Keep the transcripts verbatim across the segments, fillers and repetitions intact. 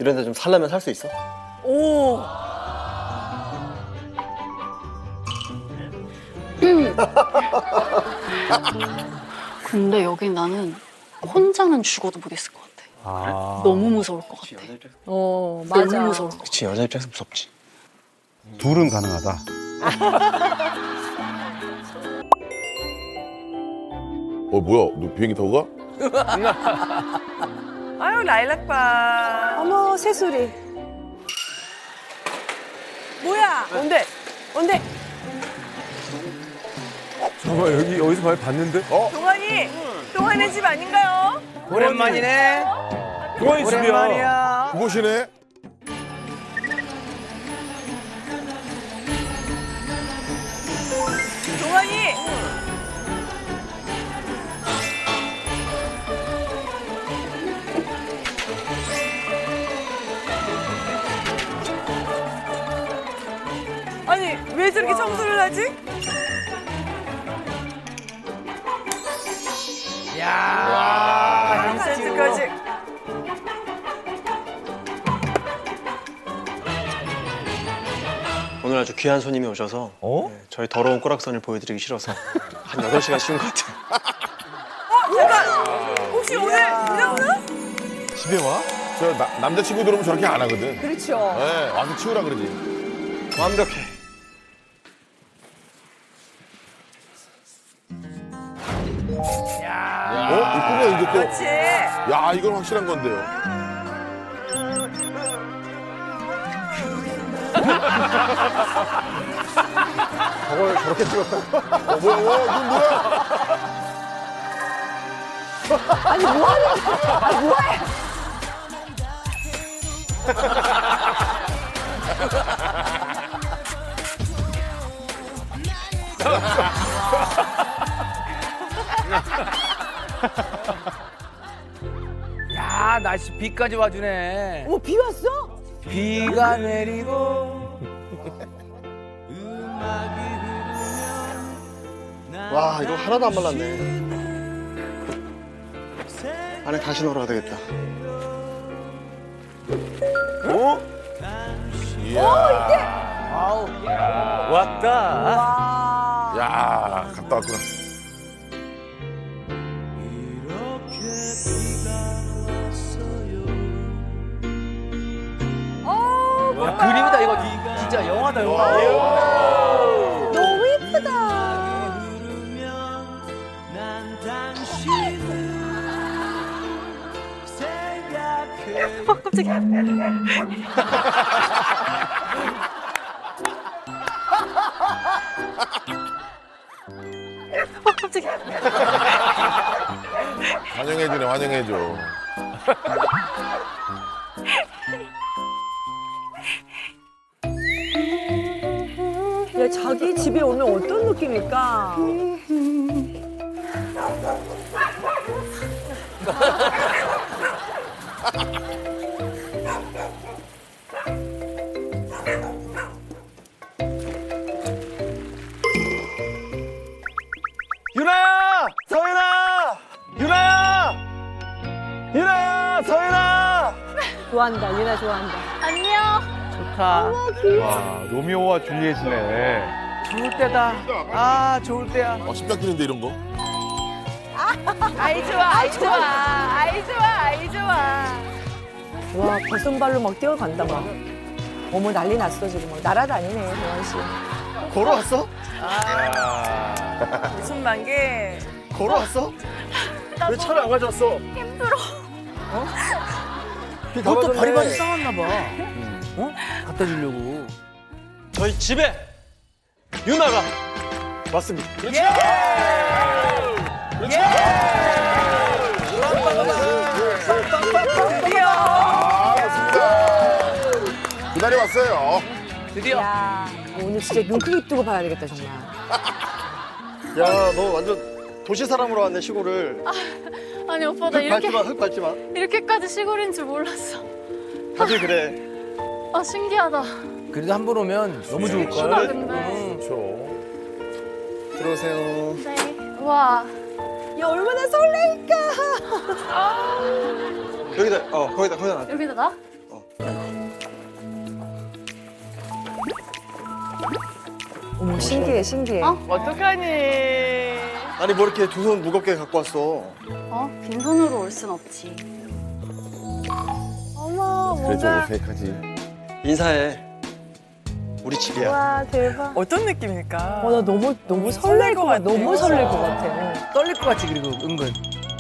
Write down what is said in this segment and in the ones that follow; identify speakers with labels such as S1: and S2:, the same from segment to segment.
S1: 이런 데 좀 살려면 살 수 있어?
S2: 오.
S3: 근데 여기 나는 혼자는 죽어도 못 있을 것 같아.
S4: 아.
S3: 너무 무서울 것 같아.
S1: 여자 입장에서
S2: 어,
S3: 너무
S2: 맞아.
S3: 무서울 것 같아.
S1: 그치, 여자 입장에서 무섭지.
S4: 둘은 가능하다.
S5: 어 뭐야? 너 비행기 타고 가?
S2: 아유, 라일락바.
S6: 어머, 새소리.
S2: 뭐야? 뭔데? 뭔데?
S4: 잠깐만 여기 여기서 많이 봤는데? 어?
S2: 동환이! 동환의 집 아닌가요?
S7: 오랜만이네.
S4: 동환이 집이야.
S7: 오랜만이야.
S5: 그곳이네.
S2: 동환이! 아니, 왜 저렇게 청소를 하지?
S7: 야.
S2: 삼 센티미터까지.
S1: 오늘 아주 귀한 손님이 오셔서
S4: 어?
S1: 네, 저희 더러운 꼬락선을 보여드리기 싫어서 한 여덟 시간 쉬운 것 같아요.
S2: 어, 잠깐! 혹시 오늘 일어나?
S4: 집에 와?
S5: 저 나, 남자친구 들어오면 저렇게 안 하거든.
S6: 그렇죠.
S5: 네, 와서 치우라 그러지.
S1: 완벽해.
S5: 어? 이쁘네 이제 또.
S2: 그렇지.
S5: 야 이건 확실한 건데요.
S4: 저걸 저렇게 찍었다.
S5: 어 뭐야? 어, 이건 뭐야?
S6: 아니, 뭐 하는 거야? 아, 뭐해?
S7: 야, 날씨 비까지 와주네.
S6: 어머, 비 왔어?
S7: 비가 내리고.
S1: 와, 이거 하나도 안 말랐네. 안에 다시 넣으라 되겠다.
S5: 어? 이야.
S7: 아우. 왔다.
S6: 와.
S5: 야 갔다 왔구나.
S2: 어,
S7: 야, 그림이다 이거. 진짜 영화다 영화.
S6: 너무 예쁘다.
S3: 아, 깜짝이야. 아, 깜짝이야.
S5: 환영해주네 환영해줘.
S6: 야, 자기 집에 오면 어떤 느낌일까?
S1: 유나야! 서윤아! 유나야! 유나야! 서윤아!
S6: 좋아한다, 유나 좋아한다.
S3: 안녕.
S7: 좋다.
S4: 와 로미오와 줄리엣이네.
S7: 좋을 때다. 아, 좋을 때야.
S5: 어 심장 뛰는데 이런 거?
S2: 아이 좋아, 아이 좋아, 아이 좋아, 아이 좋아.
S6: 와, 벗은발로 막 뛰어간다, 막. 어머, 난리 났어, 지금. 막 날아다니네, 동환 씨.
S1: 걸어왔어?
S2: 웃음만 게.
S1: 걸어왔어? 왜 차를 안 가져왔어?
S3: 힘들어.
S7: 그것도 바리바리 싸웠나 봐. 어? 갖다 주려고.
S1: 저희 집에 유나가 왔습니다.
S5: 그렇지. 그렇지.
S2: 드디어.
S5: 아 맞습니다. 그날이 왔어요.
S7: 드디어.
S6: 야, 오늘 진짜 눈 크게 뜨고 봐야 되겠다, 정말.
S1: 야, 너 완전 도시 사람으로 왔네, 시골을.
S3: 아니 오빠 나
S1: 흙 밟지
S3: 이렇게
S1: 마, 흙 밟지 마.
S3: 이렇게까지 시골인 줄 몰랐어.
S1: 다들 그래.
S3: 아 신기하다.
S7: 그래도 한 번 오면 너무 좋을
S3: 예쁘다
S7: 걸.
S3: 근데.
S5: 그렇죠.
S1: 들어오세요.
S3: 네. 와.
S6: 야, 얼마나 설레일까.
S1: 여기다, 어, 거기다, 거기다 놔.
S3: 여기다 나?
S6: 어머, 신기해, 신기해.
S3: 어?
S2: 어떡하니?
S1: 아니 뭐 이렇게 두 손 무겁게 갖고 왔어.
S3: 어? 빈손으로 올 순 없지.
S6: 어머,
S5: 그래 좀
S6: 뭔가.
S5: 어색하지.
S1: 인사해. 우리 집이야.
S6: 와, 대박.
S2: 어떤 느낌일까?
S6: 어, 나 너무, 너무 설렐 것 같아. 너무 설렐 것 같아.
S7: 떨릴 것 같지 그리고 은근.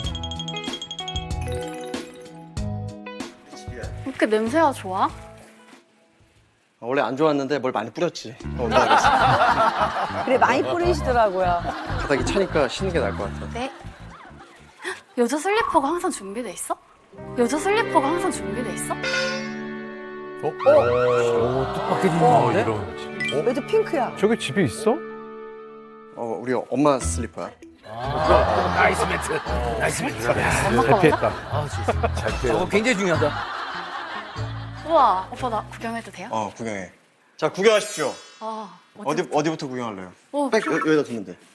S3: 이렇게 냄새가 좋아?
S1: 원래 안 좋았는데 뭘 많이 뿌렸지. 어, 올라가겠어.
S6: 그래, 많이 뿌리시더라고요.
S1: 바닥이 차니까 쉬는 게 나을 것 같아.
S3: 네. 헉, 여자 슬리퍼가 항상 준비돼 있어? 여자 슬리퍼가 항상 준비돼 있어?
S5: 어?
S7: 오 뜻밖의 진상인데?
S4: 이런.
S6: 왜도 핑크야?
S4: 저게 집에 있어?
S1: 어, 우리 엄마 슬리퍼야.
S7: 나이스 매트. 나이스 매트.
S3: 엄마 거 맞아?
S4: 피했다.
S7: 아 진짜. 저거 굉장히 중요하다.
S3: 우와, 오빠 나 구경해도 돼요?
S1: 어, 구경해. 자, 구경하십시오.
S3: 아,
S1: 어디 어디부터 구경할래요?
S3: 어,
S1: 백 여- 여기다 두면 돼.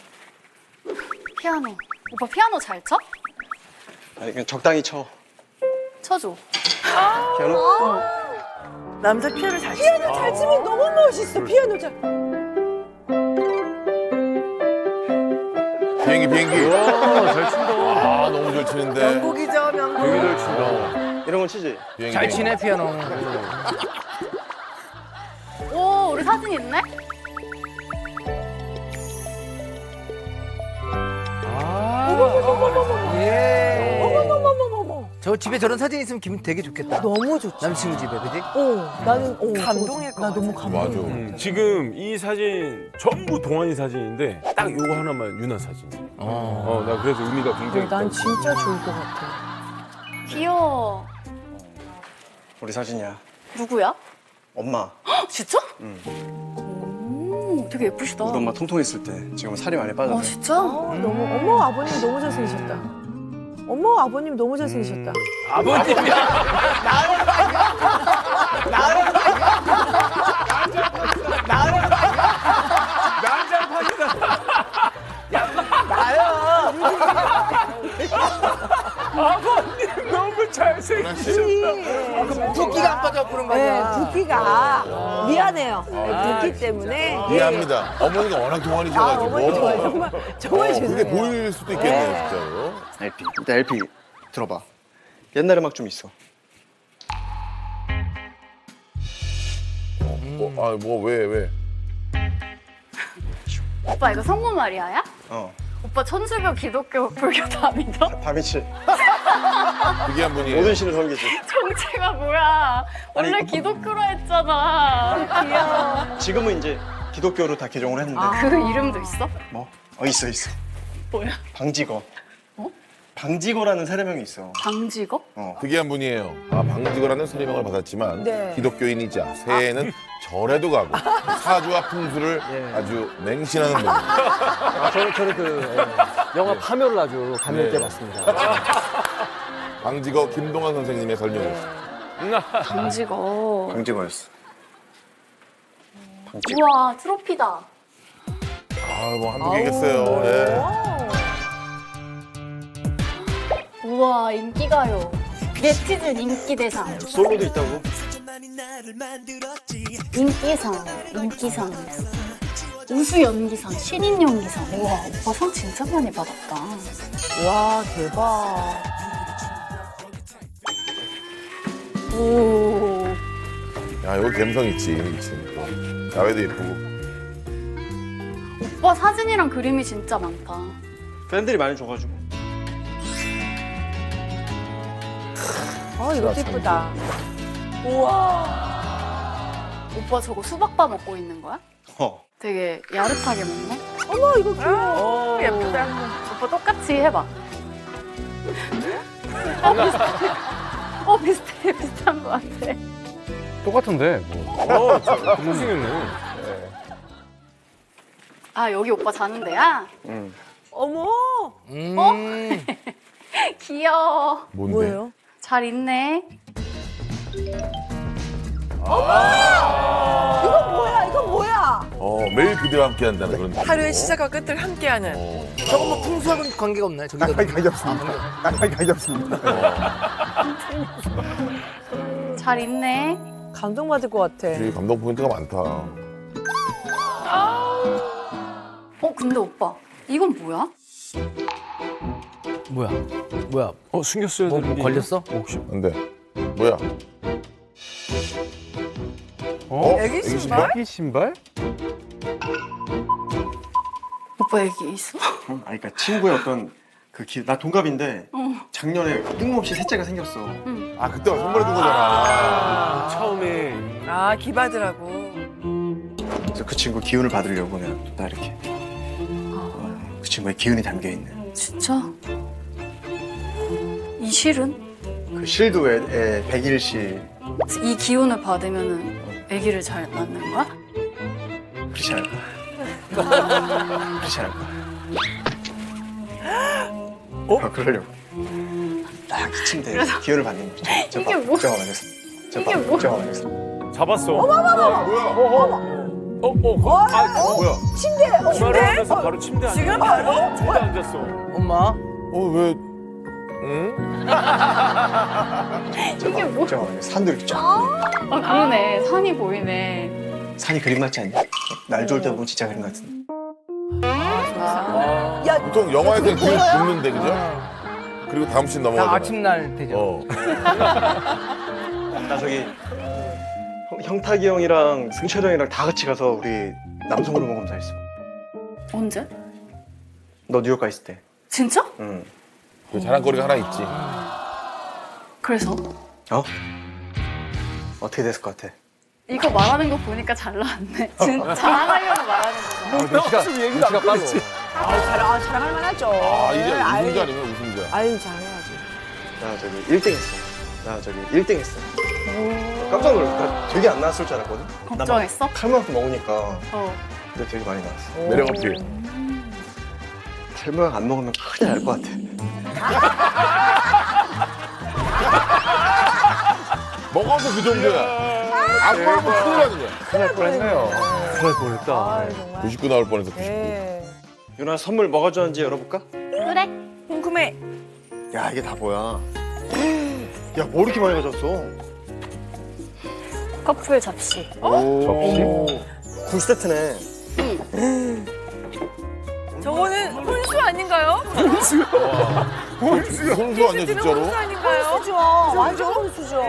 S3: 피아노. 오빠 피아노 잘 쳐?
S1: 아니 그냥 적당히 쳐.
S3: 쳐줘.
S1: 피아노?
S2: 남자 피아노 잘 치.
S6: 피아노 잘 치면 너무 멋있어, 피아노 잘.
S5: 비행기 비행기.
S4: 와잘 친다.
S5: 아 너무 잘 치는데.
S2: 명곡이죠, 명곡.
S4: 되게 잘 친다.
S1: 이런 건 치지?
S5: 비행기,
S7: 잘
S5: 비행기.
S7: 치네 피아노.
S3: 오, 우리 사진 있네?
S7: 아. 예.
S6: 어머머머머머.
S7: 저 집에 저런 사진 있으면 기분 되게 좋겠다.
S6: 너무 좋지.
S7: 남친구 집에 그지?
S6: 어, 나는 어,
S2: 감동일
S6: 저-
S2: 것
S6: 나 너무
S2: 같아.
S6: 감동.
S5: 맞아.
S8: 음, 지금 이 사진 전부 동안이 사진인데 딱 요거 하나만 유나 사진.
S7: 어.
S8: 어, 나 그래서 의미가 굉장히
S6: 난
S8: 있다고.
S6: 진짜 좋을 것 같아.
S3: 귀여워.
S1: 우리 사진이야.
S3: 누구야?
S1: 엄마.
S3: 헉, 진짜? 응. 오, 되게 예쁘시다.
S1: 우리 엄마 통통했을 때 지금 살이 많이
S3: 어,
S1: 빠졌네.
S3: 진짜?
S6: 어, 너무 어머 아버님 너무 잘생기셨다. 어머 아버님 너무 잘생기셨다.
S7: 아버님이야.
S8: 너무 잘생기셨다.
S7: 붓기가 안 빠져 그런 거
S6: 네,
S7: 아니야.
S6: 붓기가 미안해요. 네, 붓기 때문에.
S5: 이해합니다. 어머니가 워낙
S6: 아,
S5: 동안이셔가지고.
S6: 어머니 정말 정말 정말
S5: 어, 그게
S6: 죄송해요.
S5: 보일 수도 있겠네요,
S6: 네.
S5: 진짜로.
S1: 엘피. 일단 엘피 들어봐. 옛날 음악 좀 있어.
S5: 어, 아, 뭐, 왜, 왜?
S3: 오빠 이거 성모 마리아야?
S1: 어.
S3: 오빠 천주교, 기독교, 불교 다 믿어?
S1: 다 미치.
S5: 특이한 분이에요.
S1: 모든 신을 섬기지.
S3: 정체가 뭐야? 원래
S1: 아니,
S3: 기독교로 했잖아. 귀여워.
S1: 지금은 이제 기독교로 다 개종을 했는데.
S3: 그 이름도 있어?
S1: 뭐? 어 있어 있어.
S3: 뭐야?
S1: 방직어.
S3: 어?
S1: 방직어라는 세례명이 있어.
S3: 방직어?
S1: 어.
S5: 특이한 분이에요. 아, 방직어라는 세례명을 받았지만
S6: 네.
S5: 기독교인이자 새해에는 절에도 가고 사주와 풍수를 아주 맹신하는 분.
S9: 아, 저는, 저는 그 예, 영화 파묘를 아주 감명
S5: 네.
S9: 깊게 봤습니다.
S5: 방직어 김동완 선생님의 설명이었어요.
S3: 방직어.
S1: 방직어였어. 방직어.
S3: 우와, 트로피다.
S5: 아, 뭐 한두 개겠어요. 예.
S3: 우와, 인기가요. 네티즌 인기대상.
S1: 솔로도 있다고?
S3: 인기상, 인기상. 우수연기상, 신인연기상. 우와, 오빠 상 진짜 많이 받았다.
S6: 와 대박.
S3: 오.
S5: 야, 이거 감성 있지, 그치. 또. 야외도 예쁘고.
S3: 오빠 사진이랑 그림이 진짜 많다.
S1: 팬들이 많이 줘가지고.
S6: 어 이것도 예쁘다. 우와.
S3: 오빠 저거 수박바 먹고 있는 거야?
S1: 어.
S3: 되게 야릇하게 먹네?
S6: 어머 이거 귀여워.
S2: 오, 예쁘다.
S3: 오빠 똑같이 해봐. 어, 비슷해. 어, 비슷해. 비슷한 것 같아.
S4: 똑같은데 뭐.
S8: 어, 잘생겼네.
S3: 아, 여기 오빠 자는 데야?
S1: 응.
S6: 어머.
S7: 음.
S3: 귀여워.
S5: 뭔데?
S6: 뭐예요?
S3: 잘 있네.
S6: 이거 뭐야? 이거 뭐야?
S5: 어, 매일 그대와 함께 한다는 그런. 느낌.
S2: 하루의 시작과 끝을 함께하는.
S5: 어.
S7: 저거 뭐 풍수하고는 관계가 없나요? 저기다.
S9: 관계 없습니다. 관계 없습니다.
S3: 잘 있네.
S6: 감동받을 것 같아.
S5: 되게 감동 포인트가 많다.
S2: 아,
S3: 어 근데 오빠 이건 뭐야?
S7: 뭐야? 뭐야?
S8: 어 숨겼어야
S7: 뭐,
S8: 되는
S7: 뭐
S8: 게
S7: 걸렸어?
S8: 있나? 혹시
S5: 근데 뭐야?
S4: 어?
S2: 애기 신발?
S4: 애기 신발?
S3: 오빠 애기 있어?
S1: 응? 아니 그러니까 친구의 어떤 그 기... 나 동갑인데
S3: 어.
S1: 작년에 뜬금없이 셋째가 생겼어.
S5: 아 그때 선물해 준 거잖아.
S8: 처음에
S2: 아 기받으라고.
S1: 그래서 그 친구 기운을 받으려고 그냥 나 이렇게 그 친구의 기운이 담겨 있는
S3: 진짜? 이 실은?
S1: 그 실드에 백일실
S3: 이 기운을 받으면은 아기를 잘 낳는 거야?
S1: 그렇지 않을까? 그렇지 않을까? 어? 아, 그러려고. 딱 그 침대에 기운을 받는 거지. 저
S3: 이게
S1: 봐,
S3: 뭐-
S1: 저거 말했어. 저
S3: 이게
S1: 봐,
S3: 뭐-
S1: 저거 말했어.
S8: 잡았어.
S5: 뭐야?
S8: 어, 어, 거, 아,
S5: 뭐야?
S8: 전화를 하면서 바로 침대 앉았어.
S2: 지금 바로?
S8: 침대 앉았어.
S7: 엄마.
S5: 어 왜? 응?
S1: 저
S3: 이게
S1: 봐,
S3: 뭐-
S1: 저거 말했어. 산도 이렇게 쫙.
S3: 아 그러네 산이 보이네.
S1: 산이 그림 같지 않냐? 날 좋을 때 보면 진짜 그림 같은데.
S6: 야,
S5: 보통 영화에서 기운 붓는데 그죠? 그리고 다음 씬
S7: 나
S5: 넘어가잖아.
S7: 아침 날 되죠.
S5: 어.
S1: 나 저기 형, 형탁이 형이랑 승철 형이랑 다 같이 가서 우리 남성 호르몬 검사했어.
S3: 언제?
S1: 너 뉴욕 가 있을 때.
S3: 진짜?
S1: 응.
S5: 그 자랑거리가 하나 있지.
S3: 그래서?
S1: 어? 어떻게 됐을 것 같아?
S3: 이거 말하는 거 보니까 잘 나왔네. 진짜 자랑하려고 말하는 거잖아.
S4: 눈치가, 눈치가 빨라.
S6: 아, 자랑, 아, 자랑할 만하죠.
S5: 아 이제
S6: 아이,
S5: 우승자 아니면 우승자.
S6: 아유, 자랑해야지.
S1: 나 저기 일 등 했어. 나 저기 일 등 했어. 깜짝 놀랐어. 나 되게 안 나왔을 줄 알았거든?
S3: 걱정했어?
S1: 칼만큼 먹으니까.
S3: 어.
S1: 근데 되게 많이 나왔어.
S5: 매력 어필.
S1: 탈모약 안 먹으면 큰일 날 것 같아.
S5: 먹어서 그 정도야. 안 먹으면 큰일 나는 거야.
S4: 큰일 날 뻔했네요.
S1: 큰일 날 뻔했다.
S6: 아, 정말.
S5: 구십구 나올 뻔해서 구십구.
S6: 네.
S1: 유나 선물 뭐가 좋아하는지 열어볼까?
S3: 그래?
S2: 궁금해.
S1: 야 이게 다 뭐야? 야 뭐 이렇게 많이 가져왔어?
S3: 커플 접시.
S1: 오.
S4: 접시?
S1: 굴 세트네.
S2: 저거는 혼수 아닌가요?
S5: 손수 아니야 진짜로?
S2: 혼수 아닌가요?
S6: 혼수죠. 완전 혼수죠.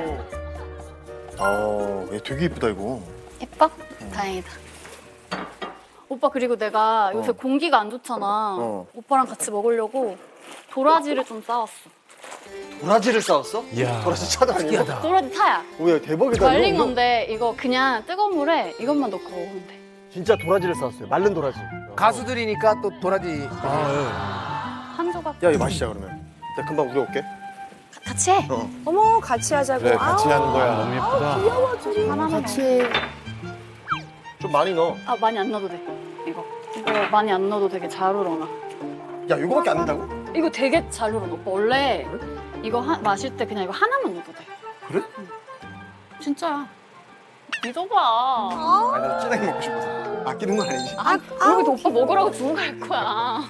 S1: 어, 얘 되게 이쁘다 이거.
S3: 예뻐? 다행이다. 오빠 그리고 내가 요새
S1: 어.
S3: 공기가 안 좋잖아.
S1: 어.
S3: 오빠랑 같이 먹으려고 도라지를 좀 싸왔어.
S1: 도라지를 싸웠어?
S8: 이야.
S1: 도라지 차도 아니고?
S3: 도라지 타야.
S1: 오야 대박이다.
S3: 말린
S1: 이거.
S3: 건데 이거 그냥 뜨거운 물에 이것만 넣고 먹으면 돼.
S1: 진짜 도라지를 싸웠어요. 마른 도라지.
S7: 가수들이니까 또 도라지.
S3: 한 조각
S1: 야 이거 마시자 그러면. 나 금방 우려올게.
S3: 같이 해.
S1: 어.
S6: 어머, 같이 하자고.
S5: 그래 같이
S6: 아우,
S5: 하는 거야.
S4: 너무 예쁘다.
S6: 귀여워, 둘이.
S3: 하나만
S6: 같이
S3: 해.
S6: 해.
S1: 좀 많이 넣어.
S3: 아 많이 안 넣어도 돼. 이거 이거 많이 안 넣어도 되게 잘 우러나.
S1: 야 이거밖에 안 된다고?
S3: 이거 되게 잘 우러나. 오빠 원래 이거 하, 마실 때 그냥 이거 하나만 넣어도 돼.
S1: 그래?
S3: 응. 진짜야. 믿어봐.
S1: 아, 나 진하게 먹고 싶어서. 아끼는 건 아니지.
S3: 아, 그러고도 오빠 먹으라고 주고 갈 거야.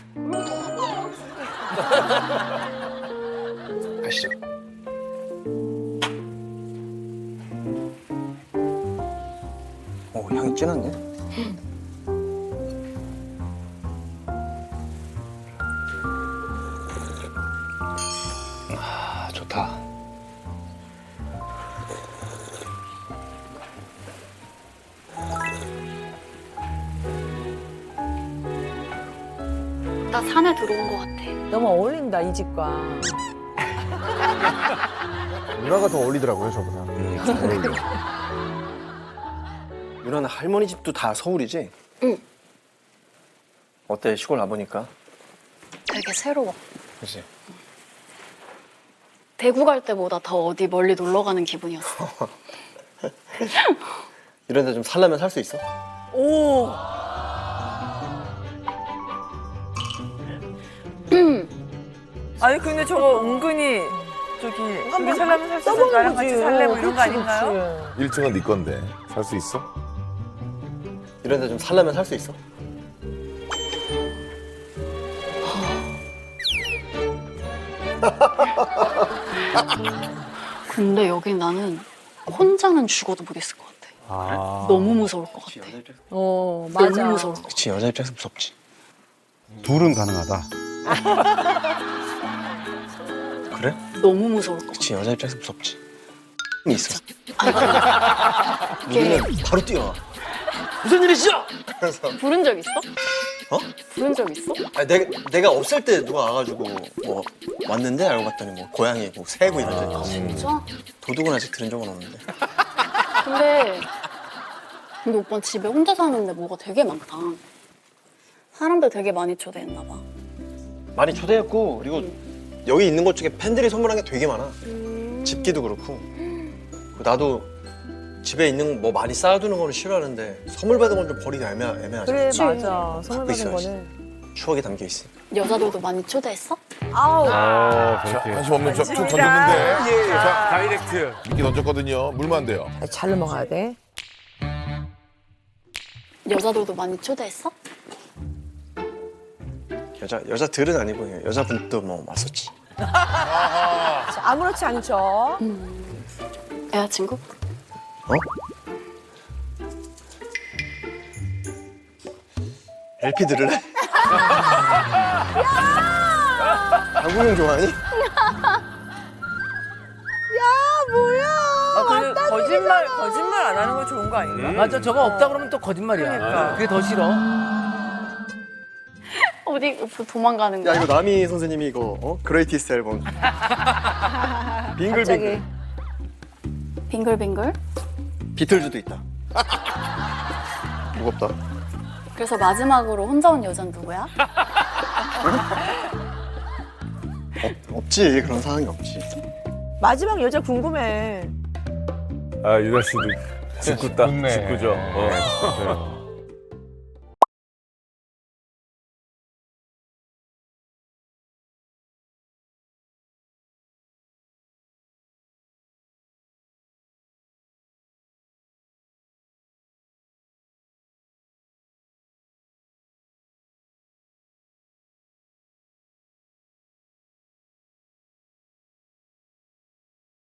S1: 가시죠. 오 향이 진한데? 아 좋다.
S3: 나 산에 들어온 것 같아.
S6: 너무 어울린다, 이 집과.
S1: 누나가 더 어울리더라고요 저보다. 누나는 할머니 집도 다 서울이지?
S3: 응.
S1: 어때 시골 와보니까?
S3: 되게 새로워.
S1: 그치?
S3: 대구 갈 때보다 더 어디 멀리 놀러 가는 기분이었어.
S1: 이런 데 좀 살려면 살 수 있어?
S2: 오. 아니 근데 저거 은근히 저기 여기 살려면 살 수 있어. 나랑 같이 살래 뭐 이런 거 아닌가요?
S5: 일 층은 네 건데 살 수 있어?
S1: 이런 데 좀 살려면 살 수 있어?
S3: 근데 여기 나는 혼자는 죽어도 못 있을 것 같아.
S8: 아.
S3: 너무 무서울 것 같아.
S1: 여자 입장에서
S6: 어, 맞아.
S3: 너무 무서울 것 같아.
S1: 그치 여자 입장에서 무섭지.
S4: 둘은 가능하다.
S1: 그래?
S3: 너무 무서울 것 같아.
S1: 그치 여자 입장에서 무섭지. 있어.
S3: 이게
S1: 우리는 바로 뛰어와.
S7: 무슨 일이시죠?
S1: 그래서
S3: 부른 적 있어?
S1: 어?
S3: 부른 적 있어?
S1: 아니, 내가 내가 없을 때 누가 와가지고 뭐 왔는데 알고 봤더니 뭐 고양이고 새고 이런 적 있어.
S3: 진짜?
S1: 도둑은 아직 들은 적은 없는데.
S3: 근데 근데 오빠는 집에 혼자 사는데 뭐가 되게 많다. 사람들 되게 많이 초대했나 봐.
S1: 많이 초대했고 그리고 여기 있는 것 중에 팬들이 선물한 게 되게 많아. 집기도 그렇고. 그리고 나도 집에 있는 뭐 많이 쌓아두는 거는 싫어하는데 선물 받은 건 좀 버리기 애매, 애매하지.
S6: 그래,
S3: 그치.
S6: 맞아. 선물 받은
S1: 있어야지.
S6: 거는.
S1: 추억이 담겨 있어.
S3: 여자들도 많이 초대했어?
S6: 아우.
S8: 어,
S5: 자,
S8: 그렇게.
S5: 관심 없는 척 툭
S2: 진짜.
S5: 던졌는데. 자,
S8: 다이렉트.
S5: 미끼 던졌거든요. 물면 안 돼요.
S6: 잘 넘어가야 돼.
S3: 여자들도 많이 초대했어?
S1: 여자 여자들은 아니고 그냥 여자분도 뭐 왔었지.
S6: 자, 아무렇지 않죠.
S3: 여자친구?
S1: 어? 엘피 들을래? 장국영 좋아하니?
S2: 아, 근데 거짓말 거짓말 안 하는 거 좋은 거 아닌가?
S7: 맞아, 저거 없다 그러면 또 거짓말이야.
S2: 그러니까.
S7: 그게 더 싫어.
S3: 어디 도망가는
S1: 야
S3: 거야?
S1: 이거 남희 선생님이 이거 어? 그레이티스트 앨범. 빙글빙글.
S6: 갑자기.
S3: 빙글빙글?
S1: 비틀즈도 있다. 무겁다.
S3: 그래서 마지막으로 혼자 온 여잔 누구야?
S1: 없, 없지 그런 상황이 없지.
S6: 마지막 여자 궁금해.
S8: 아, 유다 씨도 직구다.
S4: 좋네.
S8: 직구죠. 어.